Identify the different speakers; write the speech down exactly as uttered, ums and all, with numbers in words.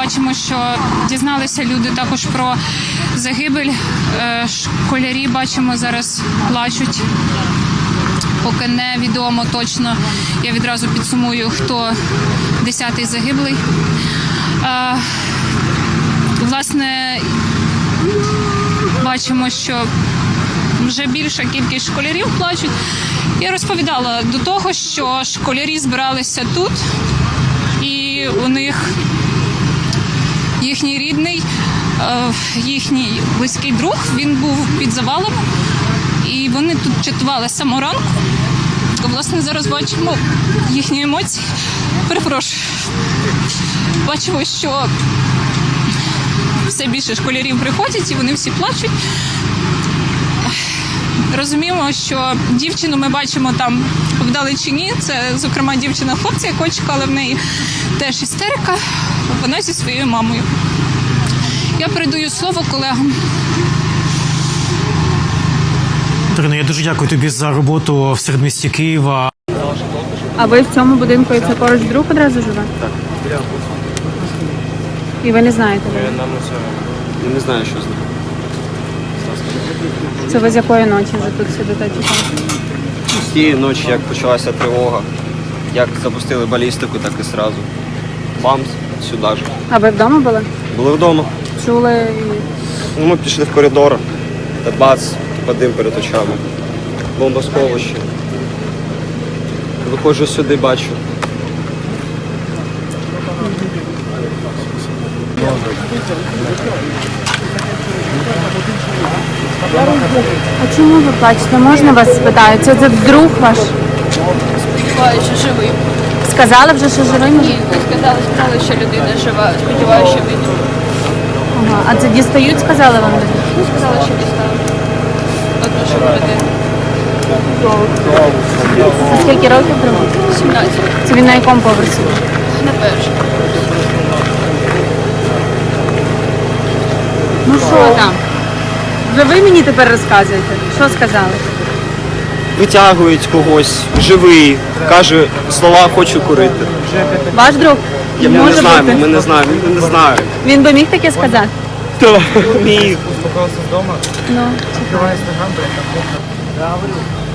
Speaker 1: бачимо, що дізналися люди також про загибель. Школярі, бачимо, зараз плачуть. Поки не відомо точно, я відразу підсумую, хто десятий загиблий. Власне, бачимо, що вже більша кількість школярів плачуть. Я розповідала до того, що школярі збиралися тут, і у них їхній рідний, їхній близький друг, він був під завалом, і вони тут чатували з самого ранку. Власне, зараз бачимо їхні емоції. Перепрошую. Бачимо, що все більше школярів приходять, і вони всі плачуть. Розуміємо, що дівчину ми бачимо там вдалечині. Це, зокрема, дівчина-хлопця, якого чекала, в неї теж істерика. Вона зі своєю мамою. Я передаю слово колегам.
Speaker 2: Ірино, я дуже дякую тобі за роботу в середмісті Києва.
Speaker 3: А ви в цьому будинку, і це поруч друг одразу живе?
Speaker 4: Так.
Speaker 3: І ви не знаєте?
Speaker 4: Я не знаю, що з ним.
Speaker 3: Це ви з якої ночі вже тут сидите?
Speaker 4: З тієї ночі, як почалася тривога, як запустили балістику, так і одразу. Бамс, сюди ж.
Speaker 3: А ви вдома були?
Speaker 4: Були вдома.
Speaker 3: Чули?
Speaker 4: Ну, ми пішли в коридор, та бац, дим перед очами. Бомбосховище. Виходжу сюди, бачу.
Speaker 3: А чому ви плачете? Можна вас спитаю? Це, це друг ваш?
Speaker 5: Сподіваюся, що живий.
Speaker 3: Сказали вже, що живий?
Speaker 5: Ні, не сказали, сказали, що людина жива. Сподіваюся, що вийде.
Speaker 3: Ага. А це дістають, сказали вам?
Speaker 5: Ну, сказали, що дістали. Одну живу людину.
Speaker 3: А скільки років другу?
Speaker 5: сімнадцять.
Speaker 3: Це він на якому поверсі?
Speaker 5: На першому.
Speaker 3: Ну що там? Вже ви мені тепер розказуєте? Що сказали?
Speaker 4: Витягують когось, живий, каже слова «хочу курити».
Speaker 3: Ваш друг?
Speaker 4: Я, ми не
Speaker 3: Може
Speaker 4: знаємо,
Speaker 3: бути.
Speaker 4: ми не знаємо, ми не знаємо.
Speaker 3: Він би міг таке сказати?
Speaker 4: Хто міг?
Speaker 3: Ну,